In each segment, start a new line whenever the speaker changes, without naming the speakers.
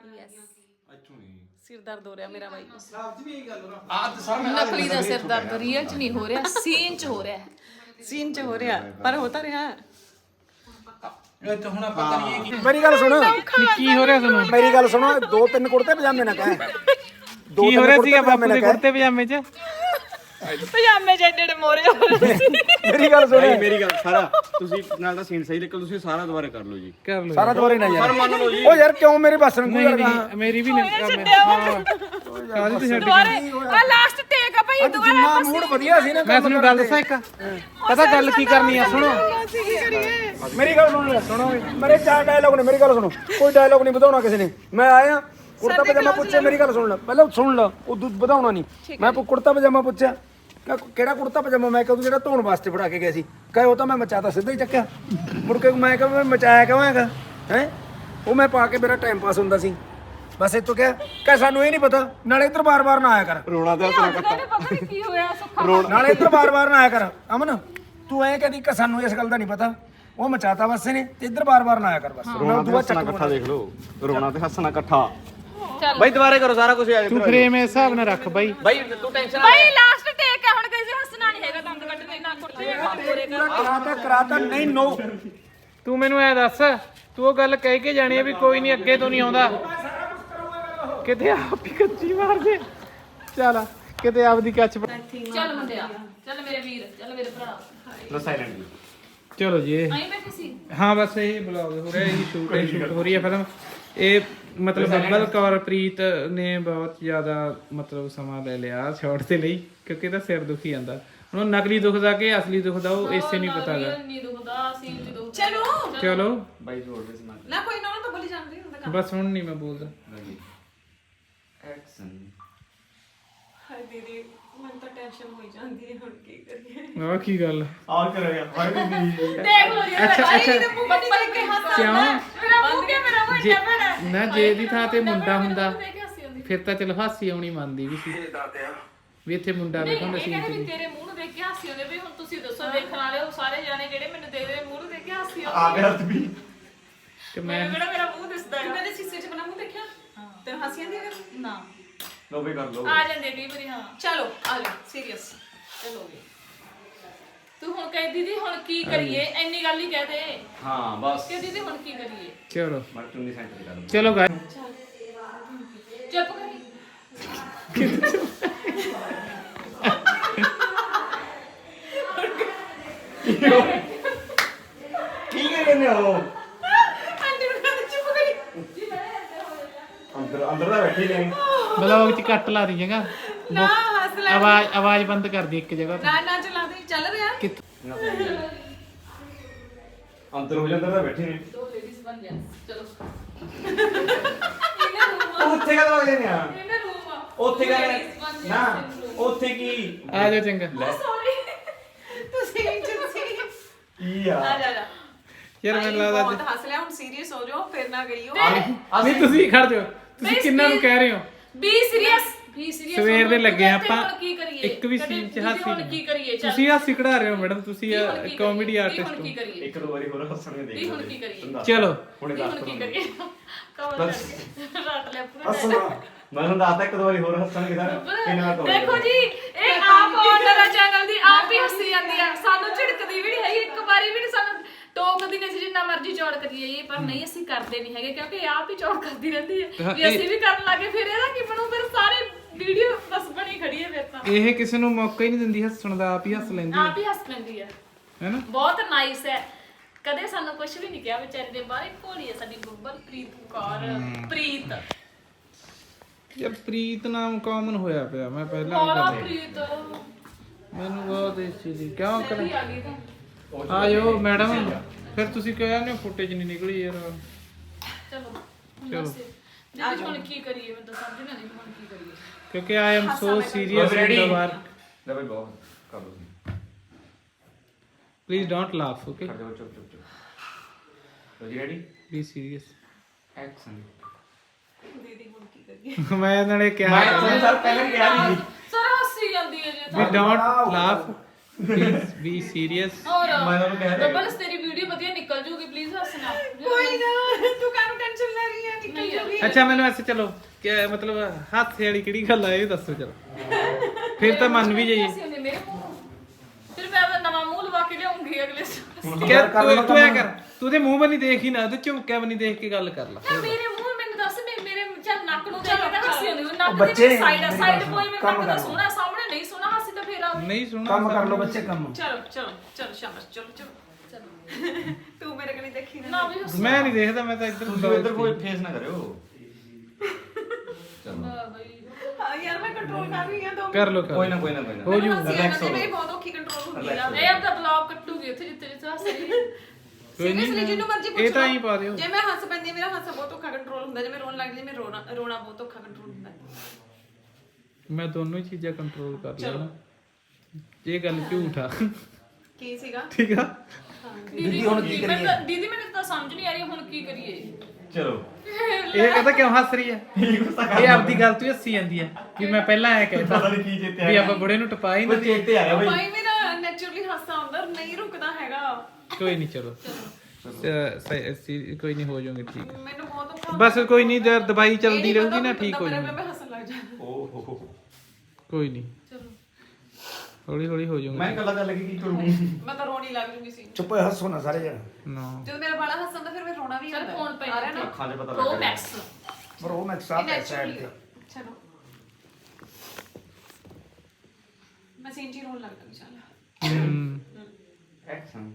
ਅੱਛਾ ਨਹੀਂ
ਸਿਰ ਦਰਦ ਹੋ ਰਿਹਾ ਮੇਰਾ ਬਾਈ
ਸਾਫ ਜੀ ਇਹ ਗੱਲ ਨਾ
ਨਕਲੀ ਦਾ ਸਿਰ ਦਰਦ ਰੀਅਲ ਚ ਨਹੀਂ ਹੋ ਰਿਹਾ ਸੀਨ ਚ ਹੋ ਰਿਹਾ ਸੀਨ ਚ ਹੋ ਰਿਹਾ ਪਰ ਹੋ ਤਾਂ ਰਿਹਾ
ਇਹ ਤਾਂ ਹੁਣ ਪਤਾ ਨਹੀਂ ਇਹ
ਮੇਰੀ ਗੱਲ ਸੁਣ
ਕੀ ਹੋ ਰਿਹਾ ਤੁਹਾਨੂੰ
ਮੇਰੀ ਗੱਲ ਸੁਣੋ 2-3 ਕੁੜਤੇ ਪਜਾਮੇ ਨਾ ਕਹੇ
ਕੀ ਹੋ ਰਿਹਾ ਸੀਗਾ ਬਾਪੂ ਦੇ ਕੁੜਤੇ ਪਜਾਮੇ 'ਚ
ਪਜਾਮੇ ਜਿਹੜੇ ਮੋਰੇ ਹੋ ਰਹੇ ਸੀ
ਮੇਰੀ ਗੱਲ ਸੁਣ
ਮੇਰੀ ਗੱਲ ਸਾਰਾ ਤੁਸੀਂ ਨਾਲ ਦਾ ਸੀਨ ਸਹੀ ਨਿਕਲ ਤੁਸੀਂ ਸਾਰਾ ਦੁਬਾਰਾ ਕਰ ਲਓ ਜੀ
ਕਰ ਲਓ
ਸਾਰਾ ਦੁਬਾਰੇ ਨਾ ਯਾਰ
ਮੰਨ ਲਓ ਜੀ
ਉਹ ਯਾਰ ਕਿਉਂ ਮੇਰੇ ਬਸ ਨੂੰ
ਨਹੀਂ ਨਹੀਂ ਮੇਰੀ ਵੀ ਨਹੀਂ ਕਾਹਦੀ ਤੇ ਛੱਡ
ਦੁਬਾਰੇ ਆ ਲਾਸਟ ਟੇਕ ਆ ਭਾਈ ਦੁਬਾਰਾ
ਜਿੰਨਾ ਮੂਡ ਵਧੀਆ ਸੀ ਨਾ
ਮੈਂ ਤੁਹਾਨੂੰ ਗੱਲ ਦੱਸਾਂ ਇੱਕ ਪਤਾ ਗੱਲ ਕੀ ਕਰਨੀ ਆ ਸੁਣੋ
ਮੇਰੀ ਗੱਲ ਸੁਣੋ ਮੇਰੇ 4 ਡਾਇਲੌਗ ਨੇ ਮੇਰੀ ਗੱਲ ਸੁਣੋ ਕੋਈ ਡਾਇਲੌਗ ਨਹੀਂ ਵਧਾਉਣਾ ਕਿਸੇ ਨੇ ਮੈਂ ਆਇਆ ਕੁੜਤਾ ਪਜਾਮਾ ਪੁੱਛਿਆ ਮੇਰੀ ਗੱਲ ਸੁਣ ਲੈ ਪਹਿਲਾਂ ਸੁਣ ਲੈ ਉਹ ਵਧਾਉਣਾ ਨਹੀਂ ਮੈਂ ਕੁੜਤਾ ਪਜਾਮਾ ਪੁੱਛਿਆ ਕਿਹੜਾ ਕੁੜਤਾ ਪਜਾਮਾ ਮੈਂ ਕਹੂੰ ਜਿਹੜਾ ਧੋਣ ਵਾਸਤੇ ਫੜਾ ਕੇ ਗਿਆ ਸੀ ਕਹੇ ਉਹ ਤਾਂ ਮੈਂ ਮਚਾਤਾ ਸਿੱਧਾ ਹੀ ਚੱਕਿਆ ਮੁੜ ਕੇ ਮੈਂ ਕਹਾਂ ਮੈਂ ਮਚਾਇਆ ਕਿਉਂ ਹੈਗਾ ਹੈ ਉਹ ਮੈਂ ਪਾ ਕੇ ਮੇਰਾ ਟਾਈਮ ਪਾਸ ਹੁੰਦਾ ਸੀ ਬਸ ਇਤੋਂ ਕਿਹਾ ਸਾਨੂੰ ਇਹ ਨਹੀਂ ਪਤਾ ਨਾਲੇ ਇੱਧਰ ਬਾਰ-ਬਾਰ ਨਾ ਆਇਆ ਕਰ
ਰੋਣਾ ਤੇ ਹੱਥ
ਪਤਾ ਨਹੀਂ ਕੀ ਹੋਇਆ ਸੁੱਖਾ
ਨਾਲੇ ਇੱਧਰ ਬਾਰ-ਬਾਰ ਨਾ ਆਇਆ ਕਰ ਅਮਨ ਤੂੰ ਐਂ ਕਹਦੀ ਕਿ ਸਾਨੂੰ ਇਸ ਗੱਲ ਦਾ ਨਹੀਂ ਪਤਾ ਉਹ ਮਚਾਤਾ ਬਸ ਨੇ ਤੇ ਇੱਧਰ ਬਾਰ-ਬਾਰ ਨਾ ਆਇਆ ਕਰ ਬਸ
ਰੋਣਾ ਤੇ ਹੱਸਣਾ ਇਕੱਠਾ ਦੇਖ ਲਓ ਰੋਣਾ ਤੇ ਹੱਸਣਾ ਇਕੱਠਾ ਬਾਈ ਦੁਬਾਰੇ ਕਰੋ ਸਾਰਾ ਕੁਝ
ਤੂੰ ਫਰੇਮ ਇਸ ਹਿਸਾਬ ਨਾਲ ਰੱਖ ਬਾਈ
ਬਾਈ ਤੂੰ ਟੈਨਸ਼ਨ
ਭਾਈ ਲਾਸਟ ਟੇਕ ਹੈ ਹੁਣ ਕਿਸੇ ਹੱਸਣਾ ਨਹੀਂ ਹੈਗਾ ਦੰਦ ਕੱਢਣੇ ਨਾ ਕੁੜਤੇ ਮੋਰੇ ਕਰ
ਕਰਾਤਾ ਨਹੀਂ ਨੋ
ਤੂੰ ਮੈਨੂੰ ਐ ਦੱਸ ਤੂੰ ਉਹ ਗੱਲ ਕਹਿ ਕੇ ਜਾਣੀ ਆ ਵੀ ਕੋਈ ਨਹੀਂ ਅੱਗੇ ਤੋਂ ਨਹੀਂ ਆਉਂਦਾ ਕਿਤੇ ਆਪ ਹੀ ਕੱਚੀ ਮਾਰ ਦੇ ਚੱਲ ਕਿਤੇ ਆਪਦੀ ਕੱਚ
ਚੱਲ ਮੁੰਡਿਆ ਚੱਲ ਮੇਰੇ ਵੀਰ ਚੱਲ ਮੇਰੇ ਭਰਾ
ਲੋ ਸਾਇਲੈਂਟ
ਚਲੋ ਜੀ ਇਹ
ਆਈ ਬੈਠੀ ਸੀ
ਹਾਂ ਬਸ ਇਹ ਬਲੌਗ ਹੋ ਰਿਹਾ ਇਹ ਸ਼ੂਟ ਹੋ ਰਹੀ ਹੈ ਫਿਲਮ ਇਹ ਮਤਲਬ ਬੱਬਲ ਕੌਰ ਪ੍ਰੀਤ ਨੇ ਬਹੁਤ ਜ਼ਿਆਦਾ ਮਤਲਬ ਸਮਾਂ ਲੈ ਲਿਆ ਸ਼ਾਟ ਦੇ ਲਈ ਕਿਉਂਕਿ ਇਹਦਾ ਸਿਰ ਦੁਖੀ ਜਾਂਦਾ ਹੁਣ ਨਕਲੀ ਦੁਖਦਾ ਕਿ ਅਸਲੀ ਦੁਖਦਾ ਉਹ ਇਸੇ ਨਹੀਂ ਪਤਾਗਾ
ਨਹੀਂ ਦੁਖਦਾ ਸੀਨ ਚ ਦੁਖ ਚਲੋ
ਚਲੋ
ਬਾਈ ਜੋੜ ਦੇ ਸਮਾਨ
ਨਾ ਕੋਈ ਨਾ ਤਾਂ ਬੋਲੀ ਜਾਂਦੀ ਹੁੰਦਾ
ਬਸ ਹੁਣ ਨਹੀਂ ਮੈਂ ਬੋਲਦਾ
ਐਕਸ਼ਨ
ਹਾਏ ਦੀਦੀ ਮੈਨੂੰ ਤਾਂ ਟੈਨਸ਼ਨ ਹੋਈ ਜਾਂਦੀ ਹੈ ਹੁਣ ਕੀ ਕਰੀਏ
ਆਹ ਕੀ ਗੱਲ
ਆਹ ਕਰੋ ਯਾਰ ਬਾਈ ਦੀ
ਦੇਖ ਲੋ ਜੀ
ਅੱਛਾ ਅੱਛਾ
ਬੱਬਲ ਕੇ ਹੱਸਦਾ
ਕਿਉਂ
ਮੇਰਾ ਮੂੰਹ ਕੇ ਮੇਰਾ ਮੂੰਹ ਇੰਨਾ ਬੜਾ
ਨਾ ਜੇ ਦੀ ਥਾਂ ਤੇ ਮੁੰਡਾ ਹੁੰਦਾ ਫਿਰ ਤਾਂ ਚਲ ਹਾਸੀ ਆਉਣੀ ਮੰਨਦੀ ਵੀ ਸੀ ਵੀ ਇੱਥੇ ਮੁੰਡਾ ਵੇਖੋ ਨਾ ਸੀਨ
ਵੀ ਤੇਰੇ ਮੂੰਹ ਨੂੰ ਦੇਖ ਕੇ ਹਾਸੀ ਆਉਂਦੇ ਵੀ ਹੁਣ ਤੁਸੀਂ ਦੱਸੋ ਦੇਖਣ ਵਾਲੇ ਉਹ ਸਾਰੇ ਜਾਣੇ ਜਿਹੜੇ ਮੈਨੂੰ ਦੇਖਦੇ ਮੂੰਹ ਨੂੰ ਦੇਖ ਕੇ ਹਾਸੀ ਆਉਂਦੀ
ਆ ਗਿਆ ਵੀ
ਤੇ ਮੈਂ
ਕਿਹੜਾ ਮੇਰਾ ਮੂੰਹ ਦਿਸਦਾ ਹੈ ਕਦੇ ਸ਼ੀਸ਼ੇ 'ਚ ਬਣਾ ਮੂੰਹ ਦੇਖਿਆ ਤੈਨੂੰ ਹਾਸੀ ਆਉਂਦੀ ਹੈ ਨਾ
ਲੋ ਵੀ ਕਰ ਲੋ
ਆ ਜਾਂਦੇ ਕਈ ਵਾਰੀ ਹਾਂ ਚਲੋ ਆ ਜਾ ਸੀਰੀਅਸ ਚਲੋ ਵੀ ਤੂੰ ਹੁਣ ਕਹਿ ਦੀਦੀ ਹੁਣ ਕੀ ਕਰੀਏ ਇੰਨੀ ਗੱਲ ਹੀ ਕਹਿ ਦੇ
ਹਾਂ ਬਸ
ਕਿ ਦੀਦੀ ਹੁਣ ਕੀ ਕਰੀਏ
ਚਲੋ
ਮਰ ਚੁੰਨੀ ਸੈਂਟਰ ਕਰ ਲਓ
ਚਲੋ ਗਾਇ
ਚੁੱਪ ਕਰੀ
ਕੀ ਕਹਿੰਦੇ ਹੋ
ਆਂਟੀ ਨੂੰ ਕਹਿੰਦੇ ਚੁੱਪ ਕਰੀ
ਅੰਦਰ ਦਾ ਬੈਠੇ ਨੇ
ਬਲੌਗ ਚ ਕੱਟ ਲਾ ਦੀ ਜਗਾ
ਨਾ ਹੱਸ ਲੈ
ਆਵਾਜ਼ ਬੰਦ ਕਰ ਦੀ ਇੱਕ ਜਗ੍ਹਾ ਤੇ
ਨਾ ਨਾ ਚਲਾ ਦੇ ਚੱਲ ਰਿਹਾ
ਅੰਦਰ ਹੋ ਜਾਂਦਾ ਬੈਠੇ ਨੇ
ਦੋ ਲੇਡੀਜ਼ ਬਣ ਗਿਆ ਚਲੋ
ਉੱਥੇ ਕਾ ਲੱਗਦੇ ਨੇ ਆ
ਇਹਨੇ ਰੂਮ ਆ
ਉੱਥੇ ਕਾ ਨਾ ਉੱਥੇ ਕੀ
ਆ ਜਾ ਚੰਗਾ
ਸੌਰੀ ਤੁਸੀਂ
ਕੀ ਆ
ਆ ਜਾ
ਯਾਰ ਮੈਨੂੰ ਲੱਗਦਾ
ਬਹੁਤ ਹੱਸ ਲਿਆ ਹੁਣ ਸੀਰੀਅਸ ਹੋ ਜਾਓ ਫਿਰ ਨਾ ਗਈਓ
ਨਹੀਂ ਤੁਸੀਂ ਖੜ ਜਾਓ ਤੁਸੀਂ ਕਿੰਨਾਂ ਨੂੰ ਕਹਿ ਰਹੇ ਹੋ
ਬੀ ਸੀਰੀਅਸ
ਸਵੇਰ ਦੇ ਲੱਗੇ ਆਪਾਂ
ਕੀ ਕਰੀਏ
ਇੱਕ ਵੀ ਸੀਨ ਚ ਹਾਸੀ
ਹੁਣ ਕੀ ਕਰੀਏ ਚੱਲ
ਤੁਸੀਂ ਹਾਸੀ ਕਢਾ ਰਹੇ ਹੋ ਮੈਡਮ ਤੁਸੀਂ ਕਾਮੇਡੀ ਆਰਟਿਸਟ
ਹੁਣ ਕੀ
ਹੋ
ਕਰੀਏ
ਇੱਕ ਦੋ ਵਾਰੀ ਹੋਰ ਹੱਸਣਗੇ ਦੇਖ
ਹੁਣ ਕੀ ਕਰੀਏ
ਚਲੋ
ਹੁਣੇ
ਹੁਣ
ਦੱਸ
ਕੀ ਕਰੀਏ ਕਵਰ ਕਰਕੇ ਰਾਤ ਲੈ ਪੂਰਾ
ਮੈਂ ਤੁਹਾਨੂੰ ਦੱਸਦਾ ਇੱਕ ਦੋ ਵਾਰੀ ਹੋਰ ਹੱਸਣਗੇ ਸਰ ਕਿੰਨਾ ਤੋਂ
ਦੇਖੋ ਜੀ ਇਹ ਆਪ ਆਨਰ ਆ ਚੈਨਲ ਦੀ ਆਪ ਹੀ ਹੱਸੀ ਜਾਂਦੀ ਆ ਸਾਨੂੰ ਝਿੜਕਦੀ ਵੀ ਨਹੀਂ ਹੈਗੀ ਇੱਕ ਵਾਰੀ ਵੀ ਨਹੀਂ ਸਾਨੂੰ ਟੋਕਦੀ ਨਹੀਂ ਸੀ ਜਿੰਨਾ ਮਰਜ਼ੀ ਚੌੜ ਕਰੀਏ ਇਹ ਪਰ ਨਹੀਂ ਅਸੀਂ ਕਰਦੇ ਨਹੀਂ ਹੈਗੇ ਕਿਉਂਕਿ ਇਹ ਆਪ ਹੀ ਚੌੜ ਕਰਦੀ ਰਹਿੰਦੀ ਹੈ ਵੀ ਅਸੀਂ ਵੀ ਕਰਨ ਲੱਗੇ ਫਿਰ ਇਹਦਾ ਕੀ ਬਣੂ ਫਿਰ ਸਾਰੇ ਵੀਡੀਓ ਬਸ ਬਣੀ ਖੜੀ ਹੈ ਫਿਰ ਤਾਂ
ਇਹ ਕਿਸੇ ਨੂੰ ਮੌਕਾ ਹੀ ਨਹੀਂ ਦਿੰਦੀ ਹੱਸਣ ਦਾ ਆਪ ਹੀ ਹੱਸ ਲੈਂਦੀ
ਆਪ ਹੀ ਹੱਸ ਲੈਂਦੀ ਹੈ
ਹੈਨਾ
ਬਹੁਤ ਨਾਈਸ ਹੈ ਕਦੇ ਸਾਨੂੰ ਕੁਝ ਵੀ ਨਹੀਂ ਕਿਹਾ ਵਿਚਾਰੀ ਦੇ ਬਾਰੇ ਘੋੜੀ ਹੈ ਸਾਡੀ ਬੱਬਲ ਪ੍ਰੀਤ ਕੌਰ ਪ੍ਰੀਤ
ਯਾਰ ਪ੍ਰੀਤ ਨਾਮ ਕਾਮਨ ਹੋਇਆ ਪਿਆ ਮੈਂ ਪਹਿਲਾਂ
ਬੋਲਾ
ਵੀ
ਪ੍ਰੀਤ
ਮੈਨੂੰ ਬਹੁਤ ਇਸ ਚੀਜ਼ ਦੀ ਕਿਉਂ ਕਰ
ਸਹੀ ਆ ਗਈ ਤਾਂ
ਆਇਓ ਮੈਡਮ ਫਿਰ ਤੁਸੀਂ ਕਹਿਆ ਨੇ ਫੁਟੇਜ ਨਹੀਂ ਨਿਕਲੀ ਯਾਰ
ਚਲੋ
ਚਲੋ
ਅੱਜ ਹੁਣ ਕੀ ਕਰੀਏ ਮੈਂ ਤਾਂ ਸਮਝ ਨਹੀਂ ਆਉਂਦੀ ਹੁਣ ਕੀ ਕਰੀਏ
ਕਿਉਂਕਿ I am so serious in the work
ਲੈ ਬਈ ਬਹੁਤ ਕਰ ਲਓ
ਪਲੀਜ਼ ਡੋਂਟ ਲਾਫ ਓਕੇ
ਕਰ ਜਾਓ ਚੁੱਪ ਲੋ ਜੀ ਰੈਡੀ
ਬੀ ਸੀਰੀਅਸ
ਐਕਸ਼ਨ
ਦੀਦੀ ਹੁਣ ਕੀ ਕਰੀਏ
ਮੈਂ ਨਾਲੇ ਕਿਹਾ
ਮੈਂ ਤੁਹਾਨੂੰ ਸਰ ਪਹਿਲਾਂ ਕਿਹਾ ਨਹੀਂ
ਸਰ ਹੱਸੀ ਜਾਂਦੀ ਹੈ ਜੇ
we don't laugh please be serious
ਹੋਰ
ਮੈਂ ਤੁਹਾਨੂੰ ਕਹਿ
ਬੱਬਲ ਤੇਰੀ ਵੀਡੀਓ ਵਧੀਆ ਨਿਕਲ ਜੂਗੀ ਪਲੀਜ਼ ਹੱਸਣਾ
ਕੋਈ ਨਾ ਤੂੰ ਕਾਹਨੂੰ ਟੈਨਸ਼ਨ ਲੈ ਰਹੀ ਹੈ ਨਿਕਲ ਜੂਗੀ
ਅੱਛਾ ਮੈਨੂੰ ਐਸੇ ਚਲੋ ਕਿ ਮਤਲਬ ਹਾਸੇ ਵਾਲੀ ਕਿਹੜੀ ਗੱਲ ਆ ਇਹ ਦੱਸੋ ਚਲੋ ਫਿਰ ਤਾਂ ਮੰਨ ਵੀ ਜਾਈਏ
ਹੱਸੀ ਹੁੰਦੀ ਮੇਰੇ ਮੂੰਹ ਨੂੰ। ਫਿਰ ਮੈਂ ਆਪਣਾ ਨਵਾਂ ਮੂੰਹ ਲਵਾ ਕੇ ਲਿਆਉਂਗੀ ਅਗਲੇ ਸਾਲ।
ਕਿ ਤੂੰ ਐ ਕਰ ਤੂੰ ਤੇ ਮੂੰਹ ਬਣੀ ਦੇਖ ਹੀ ਨਾ ਤੇ ਝੁਮਕਿਆ ਬਣੀ ਦੇਖ ਕੇ ਗੱਲ ਕਰ ਲਾ
ਯਾਰ ਮੇਰੇ ਮੂੰਹ ਮੈਨੂੰ ਦੱਸ ਮੇਰੇ ਚੱਲ ਨੱਕ ਨੂੰ ਦੇਖ ਕੇ ਤਾਂ ਹੱਸੀ ਹੁੰਦੀ ਨੱਕ
ਬੱਚੇ
ਦੇ ਸਾਈਡ
ਮੇਰੀ
ਸਾਈਡ
ਗੱਲ
ਕੋਈ ਮੇਰੇ
ਕੰਮ
ਨੱਕ ਦਾ
ਕਰੋ।
ਸੋਹਣਾ ਸਾਹਮਣੇ ਨਹੀਂ ਸੋਹਣਾ ਹਾਸੀ ਤਾਂ ਫੇਰ ਆ
ਨਹੀਂ ਸੁਣਾ
ਕੰਮ ਕਰ ਲਓ ਬੱਚੇ ਕੰਮ।
ਚਲੋ ਚਲੋ ਚਲੋ ਸ਼ਾਬਾਸ਼ ਚਲੋ ਚਲੋ
ਤੂੰ ਮੇਰੇ ਕਨੀ ਦੇਖੀ
ਨਾ ਵੀ ਹੱਸੋ।
ਮੈਂ ਨਹੀਂ ਦੇਖਦਾ ਮੈਂ ਤਾਂ ਇੱਧਰ
ਤੁਸੀਂ ਇੱਧਰ ਕੋਈ ਫੇਸ ਨਾ ਕਰਿਓ
ਬਈ
ਹਾਂ ਯਾਰ ਮੈਂ ਕੰਟਰੋਲ ਕਰ ਰਹੀ ਹਾਂ ਦੋ
ਕਰ ਲੋ
ਕੋਈ ਨਾ ਕੋਈ ਨਾ ਕੋਈ ਨਾ
ਹੋ ਜੂ
ਰਿਲੈਕਸ ਹੋ
ਮੇਰੀ ਬਹੁਤ ਔਖੀ ਕੰਟਰੋਲ ਹੁੰਦੀ ਆ
ਇਹ ਆਪਦਾ ਬਲੌਗ ਕੱਟੂਗੀ ਉੱਥੇ ਜਿੱਥੇ ਜਿੱਥੇ ਹੱਸ ਰਹੀ ਹੈ।
ਕੋਈ
ਸੀਰੀਅਸਲੀ ਜਿੰਨੂੰ ਮਰਜ਼ੀ ਪੁੱਛ
ਇਹ ਤਾਂ
ਲਓ।
ਹੀ ਪਾ ਦਿਓ
ਜੇ ਮੈਂ ਹੱਸ ਪੈਂਦੀ ਹਾਂ, ਮੇਰਾ ਹਾਸਾ ਬਹੁਤ ਔਖਾ ਕੰਟਰੋਲ ਹੁੰਦਾ, ਜੇ ਮੈਂ ਰੋਣ ਲੱਗ ਜਾਂਦੀ ਮੈਂ ਰੋਣਾ ਬਹੁਤ ਔਖਾ ਕੰਟਰੋਲ ਹੁੰਦਾ।
ਮੈਂ ਦੋਨੋਂ ਹੀ ਚੀਜ਼ਾਂ ਕੰਟਰੋਲ ਕਰ ਲੈਣਾ ਇਹ ਗੱਲ ਝੂਠ ਆ
ਕੀ ਸੀਗਾ?
ਠੀਕ ਆ
ਦੀਦੀ ਹੁਣ ਕੀ ਕਰੀਏ? ਦੀਦੀ ਮੈਨੂੰ ਤਾਂ ਸਮਝ ਨਹੀਂ ਆ ਰਹੀ ਹੁਣ ਕੀ ਕਰੀਏ।
ਚਲੋ
ਇਹ ਕਹਿੰਦਾ ਕਿਉਂ ਹੱਸ ਰਹੀ ਆ ਇਹ ਆਪਦੀ ਗੱਲ ਤੋਂ ਹੀ ਹੱਸੀ ਜਾਂਦੀ ਆ ਕਿ ਮੈਂ ਪਹਿਲਾਂ ਐ ਕਹਿਤਾ
ਪਤਾ ਨਹੀਂ ਕੀ ਚੇਤੇ
ਵੀ
ਆਇਆ
ਆਪਾਂ ਬੁੜੇ ਨੂੰ ਟਪਾ ਹੀ
ਕੋਈ
ਨਾ
ਚੇਤੇ ਆਇਆ ਬਈ
ਭਾਈ ਮੇਰਾ ਨੈਚੁਰਲੀ ਹਾਸਾ ਆਉਂਦਾ ਨਹੀਂ ਰੁਕਦਾ ਹੈਗਾ।
ਕੋਈ ਨਹੀਂ ਚਲੋ ਕੋਈ ਨਹੀਂ ਹੋ ਜਾਓਗੇ ਠੀਕ ਆ।
ਮੈਨੂੰ ਬਹੁਤ ਔਖਾ
ਬਸ ਕੋਈ ਨਹੀਂ ਦਵਾਈ ਚੱਲਦੀ
ਇਹ ਨੀ
ਰਹੂਗੀ
ਪਤਾ
ਨਾ
ਬੰਦਾ
ਠੀਕ ਹੋ
ਮਰਿਆ
ਜਾਊਗੀ
ਮੈਂ ਹੱਸਣ ਲੱਗ ਜਾਣਾ।
ਓ ਹੋ
ਕੋਈ ਨਹੀਂ
ਚਲੋ
ਹੌਲੀ ਹੌਲੀ ਹੋ ਜਾਊਗਾ
ਮੈਂ ਕੱਲਾ ਗੱਲ ਕੀ ਕਰੂੰ
ਮੈਂ ਤਾਂ ਰੋਣੀ ਲੱਗ ਜੂਗੀ ਸੀ।
ਚੁੱਪ ਹੋਏ ਹੱਸੋ ਨਾ ਸਾਰੇ ਜਣ।
ਨਾ
ਜਦੋਂ ਮੇਰਾ ਬਾਲਾ ਹੱਸਦਾ ਫਿਰ ਮੈਂ ਰੋਣਾ ਵੀ
ਚਲ
ਆਉਂਦਾ।
ਫੋਨ ਪੈ
ਆ ਰਿਹਾ ਨਾ?
ਅੱਖਾਂ 'ਚ ਪਤਾ
ਪ੍ਰੋ
ਲੱਗ
ਮੈਕਸ
ਪਰ ਉਹ ਮੈਂ ਸਾਫ ਹੈ ਸਾਈਡ ਤੇ।
ਚਲੋ ਮੈਂ ਸਿੰਜੀ ਰੋਣ ਲੱਗ ਗਈ ਚੱਲ।
ਐਕਸ਼ਨ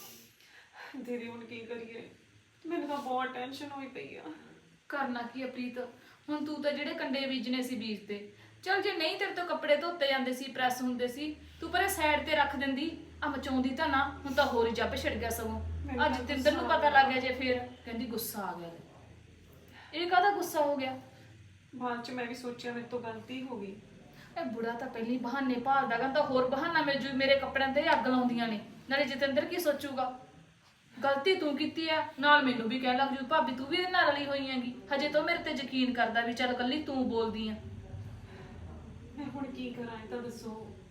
ਦੀਦੀ ਹੁਣ ਕੀ ਕਰੀਏ? ਮੈਨੂੰ ਤਾਂ ਬਹੁਤ ਟੈਨਸ਼ਨ ਹੋਈ ਪਈ ਆ।
ਕਰਨਾ ਕੀ ਆ ਪ੍ਰੀਤ ਹੁਣ ਤੂੰ ਤਾਂ ਜਿਹੜੇ ਕੰਡੇ ਬੀਜਨੇ ਸੀ ਬੀਜ ਤੇ ਚਲ ਜੇ ਨਹੀਂ ਤੇਰੇ ਤੋਂ ਕੱਪੜੇ ਧੋਤੇ ਜਾਂਦੇ ਸੀ ਪ੍ਰੈਸ ਹੁੰਦੇ ਸੀ ਤੂੰ ਪਰੇ ਸਾਈਡ ਤੇ ਰੱਖ ਦਿੰਦੀ ਆ ਮਚਾਉਂਦੀ ਤਾਂ ਨਾ ਹੁਣ ਤਾਂ ਹੋਰ ਹੀ ਜੱਬ ਛਿੜ ਗਿਆ ਸਗੋਂ ਅੱਜ ਜਤਿੰਦਰ ਨੂੰ ਪਤਾ ਲੱਗ ਗਿਆ ਜੇ ਫੇਰ ਕਹਿੰਦੀ ਗੁੱਸਾ ਆ ਗਿਆ ਇਹ ਕਾਹਦਾ ਗੁੱਸਾ ਹੋ ਗਿਆ
ਬਾਅਦ ਚ ਮੈਂ ਵੀ ਸੋਚਿਆ ਮੇਰੇ ਤੋਂ ਗਲਤੀ ਹੋ ਗਈ।
ਇਹ ਬੁੜਾ ਤਾਂ ਪਹਿਲੀ ਬਹਾਨੇ ਭਾਲਦਾ ਗਾ ਤਾਂ ਹੋਰ ਬਹਾਨਾ ਮਿਲ ਜੂ ਮੇਰੇ ਕੱਪੜਿਆਂ ਤੇ ਅੱਗ ਲਾਉਂਦੀਆਂ ਨੇ ਨਾਲੇ ਜਤਿੰਦਰ ਕੀ ਸੋਚੂਗਾ ਗਲਤੀ ਤੂੰ ਕੀਤੀ ਆ ਨਾਲ ਮੈਨੂੰ ਵੀ ਕਹਿ ਲੱਗ ਜੂ ਭਾਬੀ ਤੂੰ ਵੀ ਇਹਦੇ ਨਾਲ ਰਲੀ ਹੋਈ ਹੈਗੀ ਹਜੇ ਤੋਂ ਮੇਰੇ ਤੇ ਯਕੀਨ ਕਰਦਾ ਵੀ ਚੱਲ ਕੱਲੀ ਤੂੰ ਬੋਲਦੀ ਆ
ਮੈਂ ਹੁਣ ਕੀ ਕਰਾਂ ਇਹ ਤਾਂ ਦੱਸੋ।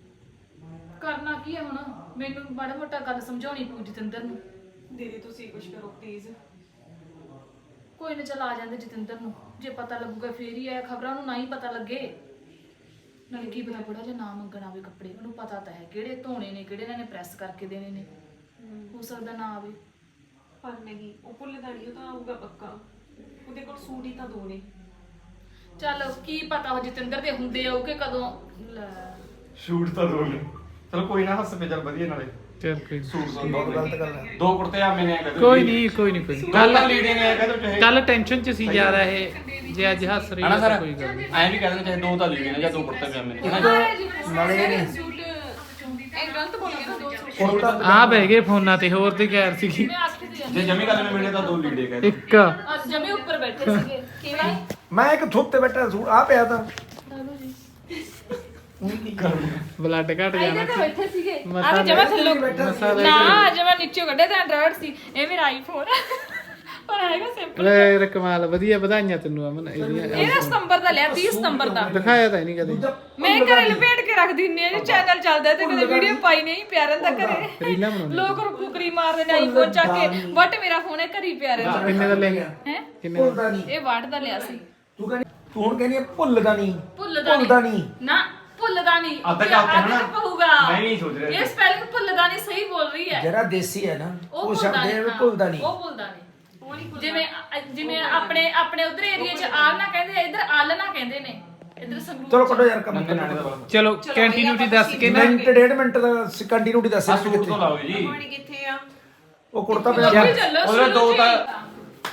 ਕਰਨਾ ਕੀ ਹੈ ਹੁਣ ਮੈਨੂੰ ਮਾੜਾ ਮੋਟਾ ਗੱਲ ਸਮਝਾਉਣੀ ਪਊ ਜਤਿੰਦਰ ਨੂੰ
ਦੀਦੀ ਤੁਸੀਂ ਕੁਝ ਕਰੋ ਪਲੀਜ਼।
ਕੋਈ ਨਾ ਚੱਲ ਆ ਜਾਂਦੇ ਜਤਿੰਦਰ ਨੂੰ ਜੇ ਪਤਾ ਲੱਗੂਗਾ ਫੇਰ ਹੀ ਆ ਖਬਰਾਂ ਨੂੰ ਨਾ ਹੀ ਪਤਾ ਲੱਗੇ ਨਾਲੇ ਕੀ ਪਤਾ ਬੁੜਾ ਜੇ ਨਾ ਮੰਗਣਾ ਆਵੇ ਕੱਪੜੇ ਉਹਨੂੰ ਪਤਾ ਤਾਂ ਹੈ ਕਿਹੜੇ ਧੋਣੇ ਨੇ ਕਿਹੜੇ ਇਹਨਾਂ ਨੇ ਪ੍ਰੈਸ ਕਰਕੇ ਦੇਣੇ ਨੇ ਹੋ ਸਕਦਾ ਨਾ ਆਵੇ
ਪਰ ਨਹੀਂ ਉਹ ਭੁੱਲਦਾ ਨਹੀਂ, ਉਹ ਤਾਂ ਆਊਗਾ ਪੱਕਾ। ਉਹਦੇ ਕੋਲ ਸੂਟ ਹੀ ਤਾਂ ਦੋ ਨੇ।
ਚੱਲ ਕੀ ਪਤਾ ਉਹ ਜਤਿੰਦਰ ਦੇ ਹੁੰਦੇ ਆਉ ਕਿ ਕਦੋਂ ਲੈ
ਸ਼ੂਟ ਤਾਂ ਦੋ ਨੇ ਚਲ ਕੋਈ ਨਾ ਹੱਸ ਪੇ ਚੱਲ ਵਧੀਆ ਨਾਲੇ
ਚੱਲ ਕੋਈ
ਸੂਟ ਤਾਂ
ਬਹੁਤ
ਬਹੁਤ
ਗਲਤ ਗੱਲ ਹੈ।
ਦੋ ਕੁੜਤੇ ਆ ਮੈਨੇ ਕਹਿੰਦੇ
ਕੋਈ ਨਹੀਂ
ਕੱਲ ਲੀੜੇ ਨੇ ਕਹਿੰਦੇ ਚਾਹੇ
ਕੱਲ ਟੈਨਸ਼ਨ ਚ ਸੀ ਜ਼ਿਆਦਾ ਇਹ ਜੇ ਅੱਜ ਹੱਸ ਰਹੀ
ਹਨਾ
ਹੈ
ਸਰ
ਤਾਂ ਕੋਈ ਗੱਲ ਨਹੀਂ
ਐਂ ਵੀ ਕਹਿੰਦੇ ਚਾਹੇ ਦੋ ਤਾਂ ਲੀੜੇ ਨੇ ਜਾਂ ਦੋ ਕੁੜਤੇ ਪਜਾਮੇ ਨੇ
ਨਾਲੇ ਇਹ ਨਹੀਂ
ਸੂਟ ਇਹ ਗਲਤ ਬੋਲ ਗਿਆ ਨਾ ਦੋ ਸੂਟ।
ਕੁੜਤਾ
ਆ ਬਹਿ ਗਏ ਫੋਨਾਂ ਤੇ ਹੋਰ ਤੇ ਕਹਿਰ ਸੀਗੀ
ਮੈਂ ਆਖੀ ਤੇ ਜਾਂਦੀ
ਜੇ ਜਮੀ ਗੱਲ ਨੇ ਮਿਲੇ ਤਾਂ ਦੋ ਲੀੜੇ ਕਹਿੰਦੇ
ਇੱਕ
ਅੱਜ ਜਮੇ ਉੱਪਰ ਬੈਠੇ ਸੀਗੇ ਕਿਵੇਂ
ਮੈਂ ਇੱਕ ਥੁੱਪ ਤੇ ਬੈਠਾ ਸੂਟ ਆ ਪਿਆ ਤਾਂ
ਚਲੋ ਜੀ
ਹੁਣ ਕੀ ਕਰਾਂ
ਬਲੱਡ ਘਟ
ਆਈਦੇ
ਜਾਣਾ
ਤੇ ਬੈਠੇ ਸੀਗੇ
ਮਸਾਲੇ-
ਆ ਵੀ ਜਮਾ ਥੱਲੋਂ
ਬੈਠਾ
ਨਾ ਜਮਾ ਨੀਚੇ ਕੱਢੇ ਤਾਂ ਐਂਡਰੋਇਡ ਸੀ ਇਹ ਮੇਰਾ ਆਈਫੋਨ ਪਰ ਹੈਗਾ ਸਿੰਪਲ
ਲੈ ਕਮਾਲ ਵਧੀਆ ਵਧਾਈਆਂ ਤੈਨੂੰ ਅਮਨ ਇਹਦੀਆਂ
ਇਹਦਾ ਸਤੰਬਰ ਦਾ ਲਿਆ 30 ਸਤੰਬਰ ਦਾ
ਦਿਖਾਇਆ ਤਾਂ ਨਹੀਂ ਕਦੇ
ਮੈਂ ਘਰੇ ਲਪੇਟ ਕੇ ਰੱਖ ਦਿੰਨੀ ਆ ਜੀ ਚੈਨਲ ਚੱਲਦਾ ਤੇ ਕਦੇ ਵੀਡੀਓ ਪਾਈ ਨਹੀਂ ਪਿਆ ਰਹਿੰਦਾ ਘਰੇ
ਰੀਲਾਂ ਬਣਾਉਂਦੇ
ਲੋਕ ਕੁਕਰੀ ਮਾਰਦੇ ਨੇ ਆਈਫੋਨ ਚੱਕ ਕੇ ਬਟ ਮੇਰਾ ਫੋਨ ਹੈ ਘਰੀ ਪਿਆ ਰਹਿੰਦਾ
ਕਿੰਨੇ ਦਾ ਲੈ ਗਿਆ
ਹੈ
ਕਿੰਨੇ
ਭੁੱਲਦਾ ਨਹੀਂ
ਇਹ ਵਾਟ ਦਾ ਲਿਆ ਸੀ
ਤੂੰ ਕਹਿੰਦੀ ਤੂੰ ਹੁਣ ਕਹਿੰਦੀ ਹੈ ਭੁੱਲਦਾ ਨਹੀਂ
ਭੁੱਲਦਾ
ਨਹੀਂ
ਨਾ ਭੁੱਲਦਾ ਨਹੀਂ
ਅੱਧਾ ਕਾਪ ਹੈ ਨਾ?
ਪਊਗਾ
ਮੈਂ ਨਹੀਂ ਸੋਚ ਰਿਹਾ
ਇਹ ਸਪੈਲਿੰਗ ਭੁੱਲਦਾ ਨਹੀਂ ਸਹੀ ਬੋਲ ਰਹੀ ਹੈ
ਜਿਹੜਾ ਦੇਸੀ ਹੈ ਨਾ ਉਹ ਸ਼ਬਦ ਹੈ
ਹਾਂ,
ਭੁੱਲਦਾ ਨਹੀਂ
ਉਹ ਭੁੱਲਦਾ ਨਹੀਂ ਜਿਵੇਂ ਆਪਣੇ ਉਧਰ ਏਰੀਆ 'ਚ ਆਲ ਨਾ ਕਹਿੰਦੇ ਇੱਧਰ ਆਲ ਨਾ ਕਹਿੰਦੇ ਨੇ ਇੱਧਰ ਸੰਗਰੂਰ
ਚਲੋ ਕੱਢੋ ਯਾਰ ਕੰਮ
ਨੰਨੇ ਨਾਣੇ ਦਾ ਬੜਾ
ਚਲੋ ਕੰਟੀਨਿਊਟੀ ਦੱਸ ਕੇ ਨਾ
ਮਿੰਟ ਡੇਢ ਮਿੰਟ ਦਾ ਕੰਟੀਨਿਊਟੀ ਦੱਸ
ਆ
ਰਿਹਾ
ਸੂਟ ਤੋਂ
ਕਿੱਥੇ
ਲਾਓ ਜੀ
ਪਾਣੀ ਕਿੱਥੇ ਆ?
ਉਹ ਕੁੜਤਾ
ਉੱਥੇ
ਪਜਾਮਾ
ਚੱਲੋ
ਉਹਦੇ
ਸ਼ੁਰੂ
ਦੋ
ਚ
ਤਾਂ
ਹੀ।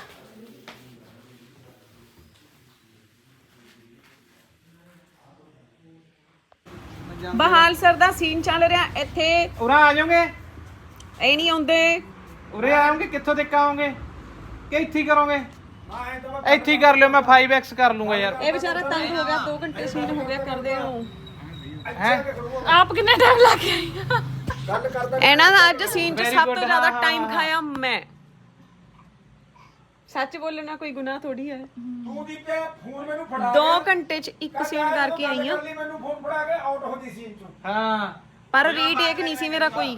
ਬਹਾਲ ਸਰ ਦਾ ਸੀਨ ਚੱਲ ਰਿਹਾ ਇੱਥੇ।
ਉਰਾ ਆ ਜਾਓਗੇ
ਇਹ ਨਹੀਂ ਆਉਂਦੇ।
ਉਰੇ ਆਓਗੇ ਕਿੱਥੋਂ ਤੱਕ ਆਓਗੇ ਕਿ ਇੱਥੇ ਹੀ ਕਰੋਗੇ ਇੱਥੇ ਹੀ ਕਰ ਲਿਓ ਮੈਂ 5x ਕਰ ਲੂੰਗਾ ਯਾਰ
ਇਹ ਵਿਚਾਰਾ ਤੰਗ ਹੋ ਗਿਆ 2 ਘੰਟੇ ਸੀਨ ਹੋ ਗਿਆ ਕਰਦੇ ਨੂੰ।
ਹੈ
ਆਪ ਕਿੰਨਾ ਟਾਈਮ ਲੱਗ ਗਿਆ
ਗੱਲ ਕਰਦਾ
ਇਹਨਾਂ ਦਾ ਅੱਜ ਸੀਨ 'ਚ
Very
ਸਭ
good,
ਤੋਂ ਜ਼ਿਆਦਾ
ਹਾਂ,
ਟਾਈਮ
ਹਾਂ।
ਖਾਇਆ ਮੈਂ। ਸੱਚ ਬੋਲਣਾ ਕੋਈ ਗੁਨਾਹ ਥੋੜੀ ਹੈ।
ਤੂੰ ਦੀ ਪਿਆ ਫੋਨ ਮੈਨੂੰ ਫੜਾ
2 ਘੰਟੇ 'ਚ ਇੱਕ ਸੀਨ ਕਰਕੇ ਆਈ ਆ।
ਮੈਨੂੰ ਫੋਨ ਫੜਾ ਕੇ ਆਊਟ ਹੋ ਗਈ ਸੀਨ ਚੋਂ
ਹਾਂ
ਪਰ ਰੀਟੇਕ ਨਹੀਂ ਸੀ ਮੇਰਾ ਕੋਈ।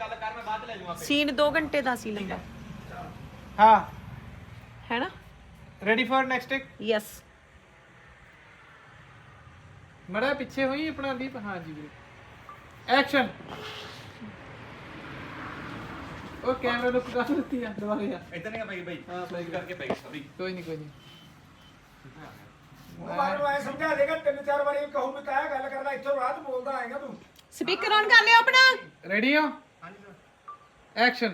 ਸੀਨ 2 ਘੰਟੇ ਦਾ ਸੀ ਲੰਬਾ
ਹਾਂ
ਹੈ ਨਾ।
Ready for next take
yes
ਮੜਾ ਪਿੱਛੇ ਹੋਈ ਆਪਣਾ ਦੀਪ ਹਾਂ ਜੀ ਵੀਰੇ ਐਕਸ਼ਨ ਉਹ ਕੈਮਰਾ ਨੂੰ ਕਰ ਦਿੱਤੀ ਆ ਦੁਬਾਰਾ ਯਾਰ
ਇਦਾਂ ਨਹੀਂ ਬਾਈ ਬਾਈ
ਹਾਂ ਬਾਈ
ਕਰਕੇ ਪੈ ਸੌਰੀ
ਕੋਈ ਨਹੀਂ
ਉਹ ਬਾਹਰ ਨੂੰ ਐ ਸਮਝਾ ਦੇਗਾ 3-4 ਵਾਰੀ ਕਹੂੰ ਵੀ ਕਾਇਆ ਗੱਲ ਕਰਦਾ ਇੱਥੋਂ ਰਾਤ ਬੋਲਦਾ ਆਏਗਾ ਤੂੰ
ਸਪੀਕਰ ਔਨ ਕਰ ਲਿਓ ਆਪਣਾ
ਰੈਡੀ ਹੋ
ਹਾਂਜੀ ਸਰ
ਐਕਸ਼ਨ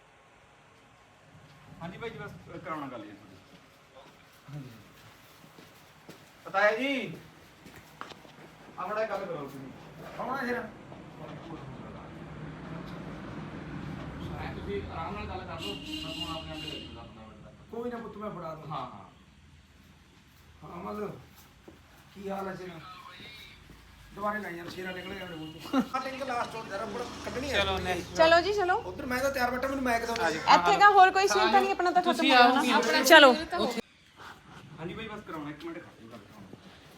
ਹਾਂਜੀ ਬਾਈ ਜੀ ਬਸ ਕਰਾਉਣਾ ਗੱਲ ਜੀ ਤੁਹਾਡੀ ਪਤਾ ਹੈ ਜੀ ਆਪਣਾ ਗੱਲ ਕਰੋ ਤੁਸੀਂ
ਕੌਣਾ ਸਿਰ
ਤੁਸੀਂ ਆਰਾਮ ਨਾਲ ਗੱਲ ਕਰ ਲਓ ਮੈਂ ਫੋਨ ਆਪਣੇ ਆਪ ਲੈ ਲੂੰਗਾ ਆਪਣਾ ਵੱਡਾ
ਕੋਈ ਨਾ ਪੁੱਤ ਮੈਂ ਫੜਾ ਦੂੰ
ਹਾਂ
ਹਾਂ ਮਤਲਬ ਕੀ ਹਾਲ ਹੈ ਸਿਰ ਦੁਬਾਰੇ ਲਾਈ ਯਾਰ ਸ਼ੇਰਾ ਨਿਕਲ ਗਿਆ ਮੇਰੇ ਮੂੰਹ ਤੋਂ ਆ ਟਿੰਗ ਲਾਸਟ ਹੋ ਜਰਾ ਬੜਾ ਕੱਢਣੀ ਹੈ ਚਲੋ ਨੇ
ਚਲੋ ਜੀ ਚਲੋ
ਉਧਰ ਮੈਂ ਤਾਂ ਤਿਆਰ ਬੈਠਾ ਮੈਨੂੰ ਮੈਕ ਦੋ
ਇੱਥੇ ਕਾ ਹੋਰ ਕੋਈ ਸੀਨ ਤਾਂ ਨਹੀਂ ਆਪਣਾ ਤਾਂ ਖਤਮ ਹੋ ਗਿਆ ਨਾ
ਆਪਣਾ
ਚਲੋ
ਹਾਂਜੀ ਬਾਈ ਬਸ ਕਰਾਉਣਾ 1 ਮਿੰਟ ਖੜੋ ਗੱਲ ਕਰਾਉਣਾ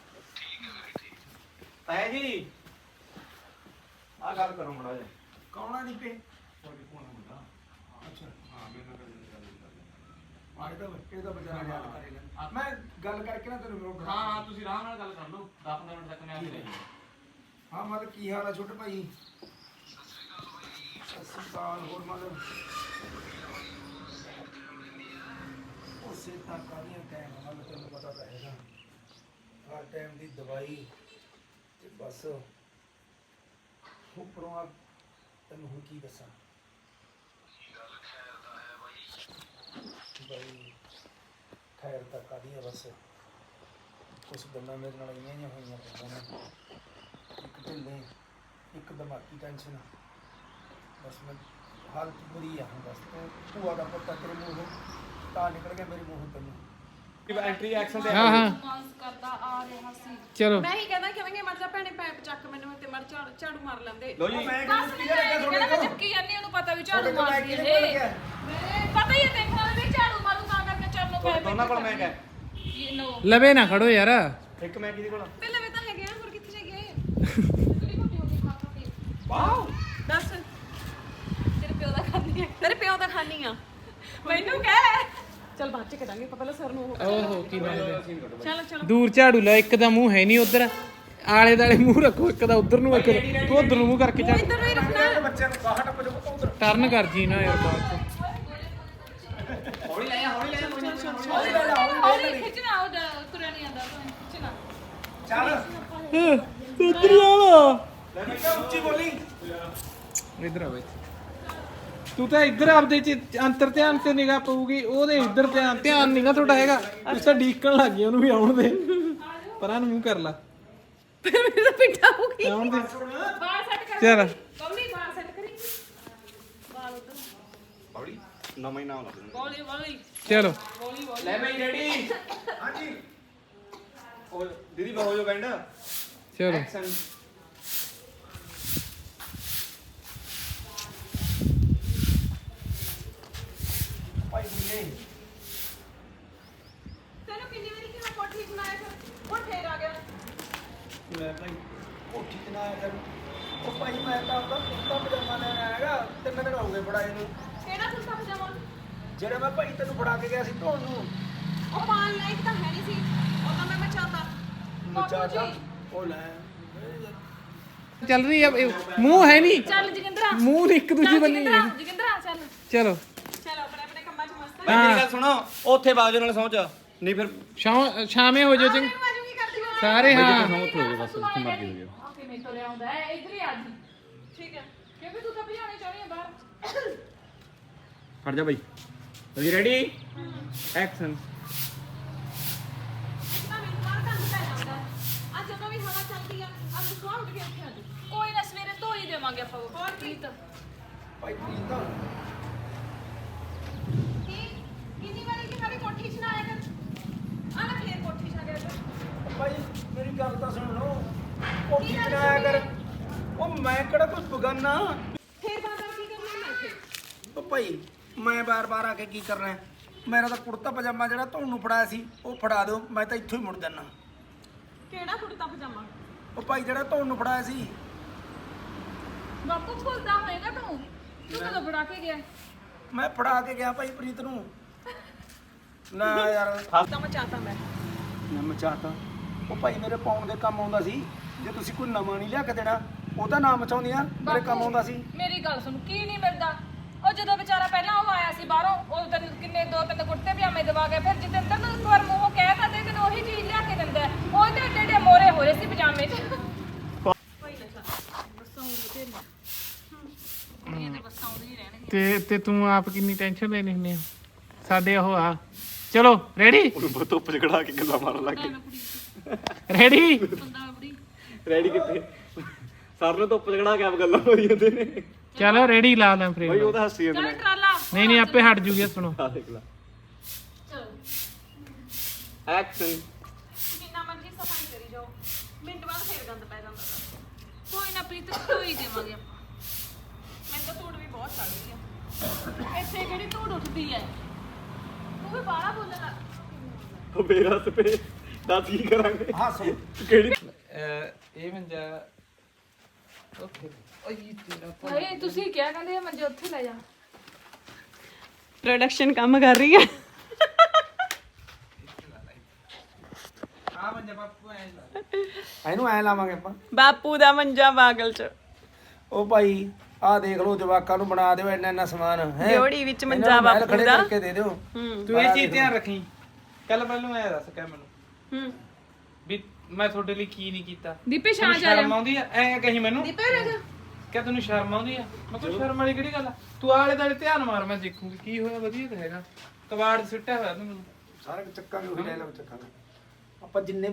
ਤਾਇਆ ਜੀ ਆ ਗੱਲ ਕਰੋ ਮੜਾ ਜੀ
ਕੌਣਾ ਨਹੀਂ ਪੇ
ਤੁਹਾਡੇ ਫੋਨ ਹੁੰਦਾ
ਅੱਛਾ
ਹਾਂ ਮੇਰੇ ਨਾਲ ਗੱਲ
ਆਏ ਤਾਂ ਇਹ ਤਾਂ ਬਚਾਰਾ ਯਾਦ ਕਰੇਗਾ ਮੈਂ ਗੱਲ ਕਰਕੇ ਨਾ ਤੈਨੂੰ ਰੋਕ
ਹਾਂ ਹਾਂ ਤੁਸੀਂ ਆਰਾਮ ਨਾਲ ਗੱਲ ਕਰ ਲਓ 10-15 ਮਿੰਟ ਤੱਕ ਮੈਂ ਆ ਹੀ ਰਹੀ
ਹਾਂ ਮਤਲਬ ਕੀ ਹਾਲ ਆ ਛੋਟੇ ਭਾਈ ਸਤਿ ਸ਼੍ਰੀ ਅਕਾਲ ਹੋਰ ਮਤਲਬ ਉਸੇ ਤਾਂ ਕਾਹਦੀਆਂ ਟਾਈਮ ਮਤਲਬ ਤੈਨੂੰ ਪਤਾ ਤਾਂ ਹੈਗਾ ਹਰ ਟਾਈਮ ਦੀ ਦਵਾਈ ਤੇ ਬਸ ਉੱਪਰੋਂ ਆ ਤੈਨੂੰ ਹੁਣ ਕੀ ਦੱਸਾਂ ਬਈ ਖੈਰ ਤਾਂ ਕਾਹਦੀਆਂ ਬਸ ਕੁਛ ਗੱਲਾਂ ਮੇਰੇ ਨਾਲ ਇੰਨੀਆਂ ਜਿਹੀਆਂ ਹੋਈਆਂ ਪਈਆਂ ਨੇ ਇੱਕ ਢਿੱਲੇ ਇੱਕ ਦਿਮਾਗੀ ਟੈਨਸ਼ਨ ਬਸ ਮੈਂ ਹਾਲਤ ਬੁਰੀ ਆ ਹੁਣ ਬਸ ਤੂੰ ਭੂਆ ਦਾ ਪੁੱਤ ਤੇਰੇ ਮੂੰਹੋਂ ਤਾਂ ਨਿਕਲ ਗਿਆ ਮੇਰੇ ਮੂੰਹੋਂ ਤੈਨੂੰ
ਐਂਟਰੀ ਐਕਸ਼ਨ ਤੇ
ਹਾਂ ਹਾਂ
ਮਾਸ ਕਰਦਾ ਆ ਰਿਹਾ ਸੀ
ਚਲੋ
ਮੈਂ ਹੀ ਕਹਿੰਦਾ ਕਿਵੇਂ ਮਰ ਜਾ ਭੈਣੇ ਪੈਪ ਚੱਕ ਮੈਨੂੰ ਤੇ ਮਰ ਝਾੜੂ ਮਾਰ ਲੈਂਦੇ
ਲੋ ਜੀ
ਮੈਂ
ਦੱਸ
ਕਿਹਨੂੰ
ਨਹੀਂ
ਕਿਹੜਾ ਲੱਗਾ
ਕਹਿੰਦਾ ਮੈਂ
ਤੁਹਾਡੇ
ਚੱਕੀ ਜਾਂਦੀ ਉਹਨੂੰ ਪਤਾ ਵੀ ਝਾੜੂ
ਕੋਲ ਮੈਂ
ਮਾਰਦੀ
ਕਿਹਨੇ
ਹੈ
ਕੋਲ ਗਿਆ
ਪਤਾ ਹੀ ਹੈ ਦੇਖਣਾ ਵੀ ਝਾੜੂ ਮਾਰੂ ਤਾਂ ਕਰਕੇ ਚੱਲ ਲੋ ਪੈ
ਦੋਨਾਂ ਕੋਲ ਮੈਂ ਕਿਹਾ
ਇਹ ਨੋ
ਲਵੇ ਨਾ ਖੜੋ ਯਾਰ
ਇੱਕ ਮੈਂ ਕਿਹਦੇ ਕੋਲ
ਪਹਿਲਾਂ ਵੀ ਤਾਂ ਹੈਗੇ ਆ ਹੋਰ ਕਿੱਥੇ ਜਾਈਏ
ਕਿਹੜੀ ਮੋਟੀ ਹੋ ਗਈ ਖਾ ਖਾ ਕੇ
ਵਾਓ
ਦੱਸ
ਤੇਰੇ ਪਿਓ ਦਾ ਖਾਂਦੀ ਹੈ
ਤੇਰੇ ਪਿਓ ਦਾ ਖਾਨੀ ਆ ਮੈਨੂੰ ਕਹਿ ਚੱਲ ਬਾਅਦ ਚ ਕਰਾਂਗੇ ਪਹਿਲਾਂ ਸਰ ਨੂੰ
ਓਹੋ ਕੀ ਨਾਮ
ਚਲੋ ਚਲੋ
ਦੂਰ ਝਾੜੂ ਲੈ ਇੱਕ ਦਾ ਮੂੰਹ ਹੈ ਨਹੀਂ ਉਧਰ ਆਲੇ ਦਾਲੇ ਮੂੰਹ ਰੱਖੋ ਇੱਕ ਦਾ ਉਧਰ ਨੂੰ ਇੱਕ ਤੂੰ ਉਧਰ ਨੂੰ ਮੂੰਹ ਕਰਕੇ ਚੱਲ
ਇੱਧਰ ਨੂੰ ਹੀ ਰੱਖਣਾ
ਬੱਚਿਆਂ ਨੂੰ ਬਾਹਰ ਟੱਪ ਜਾਓ ਉਧਰ
ਟਰਨ ਕਰ ਜੀ ਨਾ ਯਾਰ ਬਾਅਦ ਚ
ਹੌਲੀ ਲੈ ਹੌਲੀ ਲੈ
ਹੌਲੀ ਖਿੱਚਣਾ ਉਹ ਤੁਰਿਆ ਨਹੀਂ ਆਉਂਦਾ ਖਿੱਚਣਾ
ਚੱਲ
ਉਧਰ ਆ
ਲੈ ਬੱਚਾ ਉੱਚੀ ਬੋਲੀ
ਇਧਰ ਆ ਬਈ ਤੂੰ ਤਾਂ ਇੱਧਰ ਆਪਦੇ ਚ ਅੰਤਰ ਧਿਆਨ ਤੇ ਨਿਗਾਹ ਪਊਗੀ ਉਹਦੇ ਇੱਧਰ ਧਿਆਨ ਨਹੀਂ ਨਾ ਤੁਹਾਡਾ ਹੈਗਾ ਤੂੰ ਤਾਂ ਡੀਕਣ ਲੱਗ ਗਿਆ ਉਹਨੂੰ ਵੀ ਆਉਣ ਦੇ ਪਰਾਂ ਨੂੰ ਮੂੰਹ ਕਰ ਲਾ
ਮੇਰੇ ਤਾਂ ਪਿੱਠਾ ਹੋ ਗਈ
ਆਉਣ ਦੇ
ਬਾਲ ਸੈੱਟ ਕਰ
ਚੱਲ
ਕੌਲੀ ਬਾਲ ਸੈੱਟ ਕਰੀ ਬਾਲ ਉਧਰ
ਹੌਲੀ ਨਵਾਂ ਹੀ ਨਾਮ ਲੱਗ ਜਾਣਾ
ਬੋਲੀ ਬੋਲੀ
ਚਲੋ
ਲੈ ਬਈ ਰੈਡੀ
ਹਾਂਜੀ
ਉਹ ਦੀਦੀ ਬਹੁ ਜੋ ਬੈਂਡ
ਚਲੋ
ਐਕਸ਼ਨ
ਭਾਈ ਬੁੱਲੇ
ਤੈਨੂੰ ਕਿੰਨੀ ਵਾਰੀ ਕਿਹਾ ਕੋਠੀ ਬਣਾਇਆ ਫਿਰ ਹੁਣ ਫੇਰ ਆ ਗਿਆ
ਲੈ ਭਾਈ ਕੋਠੀ ਤੇ ਨਾ ਆਇਆ ਕਰ ਉਹ ਭਾਈ ਮੈਂ ਤਾਂ ਆਪਦਾ ਕੁੱਤਾ ਪਜਾਮਾ ਲੈਣ ਆਇਆਗਾ 3 ਦਿਨ ਹੋ ਗਏ ਫੜਾਏ ਨੂੰ
ਕਿਹੜਾ ਕੁੱਤਾ ਪਜਾਮਾ
ਜਿਹੜਾ ਮੈਂ ਭਾਈ ਤੈਨੂੰ ਫੜਾ ਕੇ ਗਿਆ ਸੀ ਧੋਣ ਨੂੰ
ਉਹ ਪਾਣ ਲਾਇਕ ਤਾਂ ਹੈ ਨਹੀਂ ਸੀ ਉਹ ਤਾਂ ਮੈਂ ਬਚਾਤਾ
ਮਚਾਤਾ ਉਹ ਲੈ
ਚੱਲ ਰਹੀ ਆ ਮੂੰਹ ਹੈ ਨਹੀਂ
ਚੱਲ ਜਗਿੰਦਰਾ
ਮੂੰਹ ਇੱਕ ਦੂਜੀ ਬੰਨੀ
ਜਗਿੰਦਰਾ ਚੱਲ
ਚਲੋ
ਚਲੋ ਆਪਣੇ ਆਪਣੇ ਕੰਮਾਂ 'ਚ ਮਸਤ
ਬਈ ਮੇਰੀ ਗੱਲ ਸੁਣੋ ਉੱਥੇ ਬਾਜੂ ਨਾਲ ਸੌਂਚ ਨਹੀਂ ਫਿਰ
ਸ਼ਾਮੇ ਹੋ ਜਾਓ ਚੰਗ
ਆਜੂਗੀ ਕਰਦੀ ਹਾਂ
ਸਾਰੇ ਹਾਂ
ਉੱਥੇ ਹੋ ਬਸ ਜਿੱਥੇ ਮਰਜ਼ੀ ਹੋ ਜਾਓ
ਓਕੇ ਮੈਂ ਤੋਂ ਲਿਆਉਂਦਾ ਹੈ ਇਧਰ ਹੀ ਆ ਜੀ
ਠੀਕ ਹੈ
ਕਿਉਂਕਿ ਤੂੰ ਤਾਂ ਭਜਾਉਣੀ ਚਾਹਣੀ ਹੈ ਬਾਹਰ
ਫੜ ਜਾ ਬਈ ਜੀ ਰੈਡੀ ਐਕਸ਼ਨ
ਤਾਂ ਮੈਨੂੰ ਬਾਹਰ ਕੰਮ ਪੈ ਜਾਂਦਾ ਅੱਜ ਜਦੋਂ ਵੀ ਹਵਾ ਚੱਲਦੀ ਆ ਅੱਜ ਸੁਆਹ ਉੱਠ ਕੇ ਇੱਥੇ ਆ ਜਾ
ਕੋਈ ਨਾ ਸਵੇਰੇ ਧੋ ਹੀ ਦੇਵਾਂਗੇ ਆਪਾਂ ਹੋਰ ਪ੍ਰੀਤ
ਭਾਈ ਪ੍ਰੀਤ
ਕੀ ਕਿੰਨੀ ਵਾਰੀ ਕਿ ਸਾਡੀ ਕੋਠੀ 'ਚ ਨਾ ਆਇਆ ਕਰ ਆ ਨਾ ਫੇਰ ਕੋਠੀ 'ਚ ਆ ਗਿਆ ਤੂੰ
ਭਾਈ ਮੇਰੀ ਗੱਲ ਤਾਂ ਸੁਣ ਲਓ ਕੋਠੀ ਤੇ ਨਾ ਆਇਆ ਕਰ ਉਹ ਮੈਂ ਕਿਹੜਾ ਕੋਈ ਬਗਾਨਾ
ਫੇਰ ਬਾਅਦ ਕੀ ਕਰਨਾ ਮੈਂ ਇੱਥੇ
ਉਹ ਭਾਈ ਮੈਂ ਬਾਰ-ਬਾਰ ਆ ਕੇ ਕੀ ਕਰਨਾ ਹੈ? ਮੇਰਾ ਤਾਂ ਕੁੜਤਾ ਪਜਾਮਾ ਜਿਹੜਾ ਤੁਹਾਨੂੰ ਫੜਾਇਆ ਸੀ ਉਹ ਫੜਾ ਦਿਓ ਮੈਂ ਤਾਂ ਇੱਥੋਂ ਹੀ ਮੁੜ ਜਾਣਾ
ਕਿਹੜਾ ਕੁੜਤਾ ਪਜਾਮਾ
ਉਹ ਭਾਈ ਜਿਹੜਾ ਤੁਹਾਨੂੰ ਫੜਾਇਆ ਸੀ
ਬਾਪੂ ਭੁੱਲਦਾ ਹੋਏਗਾ ਤੂੰ ਕਦੋਂ ਬੜਾ ਕੇ ਗਿਆ
ਮੈਂ ਫੜਾ ਕੇ ਗਿਆ ਭਾਈ ਪ੍ਰੀਤ ਨੂੰ ਨਾ ਯਾਰ
ਤਾਂ ਮਚਾਤਾ ਮੈਂ
ਮੈਂ ਮਚਾਤਾ ਉਹ ਭਾਈ ਮੇਰੇ ਪਾਉਣ ਦੇ ਕੰਮ ਆਉਂਦਾ ਸੀ ਜੇ ਤੁਸੀਂ ਕੋਈ ਨਵਾਂ ਨਹੀਂ ਲਿਆ ਕੇ ਦੇਣਾ ਉਹ ਤਾਂ ਨਾ ਮਚਾਉਂਦੀਆਂ ਮੇਰੇ ਕੰਮ ਆਉਂਦਾ ਸੀ
ਮੇਰੀ ਗੱਲ ਸੁਣ ਕੀ ਨਹੀਂ ਮਿਲਦਾ ਉਹ ਜਦੋਂ ਵਿਚਾਰਾ ਪਹਿਲਾਂ ਉਹ ਆਇਆ ਸੀ ਬਾਹਰੋਂ ਉਹ ਦਿਨ ਕਿੰਨੇ 2-3 ਕੁੜਤੇ ਪਜਾਮੇ ਦਵਾ ਕੇ ਫਿਰ ਜਤਿੰਦਰ ਨੂੰ ਇੱਕ ਵਾਰ ਮੂੰਹੋਂ ਕਹਿਤਾ ਤੇ ਤੈਨੂੰ ਉਹੀ ਚੀਜ਼ ਲਿਆ ਕੇ ਦਿੰਦਾ ਉਹ ਤੇ ਏਡੇ ਏਡੇ ਮੋਰੇ ਹੋਏ ਸੀ ਪਜਾਮੇ 'ਚ
ਤੇ ਤੂੰ ਆਪ ਕਿੰਨੀ ਟੈਨਸ਼ਨ ਲੈਣੀ ਹੁੰਦੀ ਆ ਸਾਡੇ ਉਹ ਆ ਚਲੋ ਰੈਡੀ
ਉਹਨੂੰ ਧੁੱਪ ਚ ਖੜਾ ਕੇ ਗੱਲਾਂ ਮਾਰਨ ਲੱਗ ਗਏ
ਰੈਡੀ
ਰੈਡੀ ਕਿੱਥੇ ਸਰ ਨੂੰ ਧੁੱਪ ਚ ਖੜਾ ਕੇ ਆਪ ਗੱਲਾਂ ਮਾਰੀ ਜਾਂਦੇ ਨੇ
ਚਲੋ ਰੈਡੀ ਲਾ ਲਾਂ
ਭਾਈ
ਫਰੇਮ
ਉਹ ਤਾਂ ਹੱਸੀ ਜਾਂਦੇ
ਚੱਲ
ਨੇ
ਟਰਾਲਾ
ਨਹੀਂ ਆਪੇ ਹਟ ਜੂਗੀ ਸੁਣੋ
ਆ ਦੇਖ ਲੈ ਐਕਸ਼ਨ
ਜਿੰਨਾ ਮਰਜ਼ੀ ਸਫਾਈ ਕਰੀ ਜਾਓ ਮਿੰਟ ਬਾਅਦ ਫੇਰ ਗੰਦ ਪੈ ਜਾਂਦਾ
ਕੋਈ ਨਾ ਪ੍ਰੀਤ ਧੋਈ ਦੇਵਾਂਗੇ ਆਪਾਂ
ਮੈਨੂੰ ਤਾਂ ਧੂੜ ਵੀ ਬਹੁਤ ਚੜ ਗਈ ਆ
ਇੱਥੇ ਕਿਹੜੀ ਧੂੜ ਉੱਠਦੀ ਹੈ ਤੂੰ ਵੀ ਬਾਹਲਾ ਬੋਲਣ ਲੱਗ
ਉਹ ਮੇਰਾ ਸਪੇ ਦੱਸ ਕੀ ਕਰਾਂਗੇ
ਹੱਸ
ਕਿਹੜੀ
ਇਹ ਮੰਜਾ ਓਕੇ ਓਏ ਤੇਰਾ
ਭਾਈ ਤੁਸੀਂ ਕਿਹਾ ਕਹਿੰਦੇ ਮੰਜੇ ਉੱਥੇ ਲੈ ਜਾ
ਪ੍ਰੋਡਕਸ਼ਨ ਕੰਮ ਕਰ ਰਹੀ ਹੈ
ਆ ਮੰਜਾ ਬਾਪੂ ਐ ਲਾ
ਇਹਨੂੰ ਐ ਲਾਵਾਂਗੇ ਆਪਾਂ
ਬਾਪੂ ਦਾ ਮੰਜਾ ਬਾਗਲ ਚ
ਉਹ ਭਾਈ ਆਹ ਦੇਖ ਲਓ ਜਵਾਕਾਂ ਨੂੰ ਬਣਾ ਦਿਓ ਇੰਨਾ ਇੰਨਾ ਸਮਾਨ ਹੈ
ਡਿਓੜੀ ਵਿੱਚ ਮੰਜਾ ਬਾਪੂ
ਖੜੇ
ਦਾ
ਕਰਕੇ ਦੇ ਦਿਓ
ਤੂੰ ਇਹ ਚੀਜ਼ ਧਿਆਨ ਰੱਖੀ ਕੱਲ ਪਹਿਲਾਂ ਐ ਦੱਸ ਕਹਿ ਮੈਨੂੰ
ਹੂੰ
ਵੀ ਮੈਂ ਤੁਹਾਡੇ ਲਈ ਕੀ ਨਹੀਂ ਕੀਤਾ
ਦੀਪੇ ਛਾਂ
ਤੈਨੂੰ
ਜਾ
ਸ਼ਰਮ ਆਉਂਦੀ ਆ ਐ ਕਹੀ ਮੈਨੂੰ
ਦੀਪੇ ਰਹਿ ਜਾ
ਕਿਆ ਤੈਨੂੰ ਸ਼ਰਮ ਆਉਂਦੀ ਆ ਮੈਂ ਕਿਹਾ ਸ਼ਰਮ ਵਾਲੀ ਕਿਹੜੀ ਗੱਲ ਆ ਤੂੰ ਆਲੇ ਦਾਲੇ ਧਿਆਨ ਮਾਰ ਮੈਂ ਦੇਖੂਗੀ ਕੀ ਹੋਇਆ ਵਧੀਆ ਤਾਂ ਹੈਗਾ ਕਬਾੜ ਸੁੱਟਿਆ ਹੋਇਆ ਤੂੰ ਮੈਨੂੰ
ਸਾਰੇ ਚੱਕਾਂਗੇ ਉਹੀ ਲੈ ਲਓ ਚੱਕਾਂਗੇ ਆਪਾਂ ਜਿੰਨੇ